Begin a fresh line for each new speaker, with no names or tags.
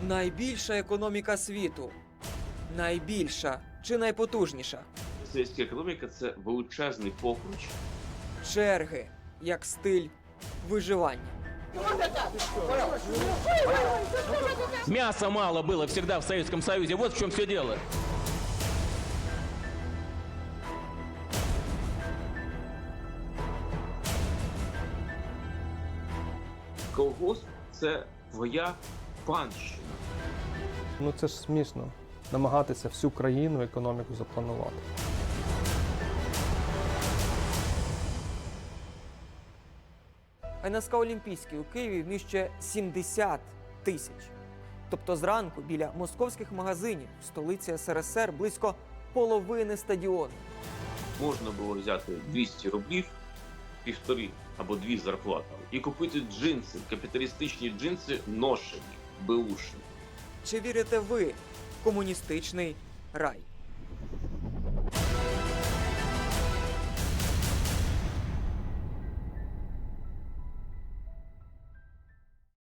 Найбільша економіка світу. Найбільша чи найпотужніша?
Російська економіка – це величезний покруч.
Черги як стиль виживання.
Мяса мало было всегда в Советском Союзе. Вот в чем все дело.
Колгосп – це твоя панщина.
Ну це ж смішно. Намагатися всю країну, економіку запланувати.
НСК Олімпійський у Києві вміщує 70 тисяч. Тобто зранку біля московських магазинів в столиці СРСР близько половини стадіону.
Можна було взяти 200 рублів, півтори або дві зарплати і купити джинси, капіталістичні джинси ношені, беушні.
Чи вірите ви в комуністичний рай?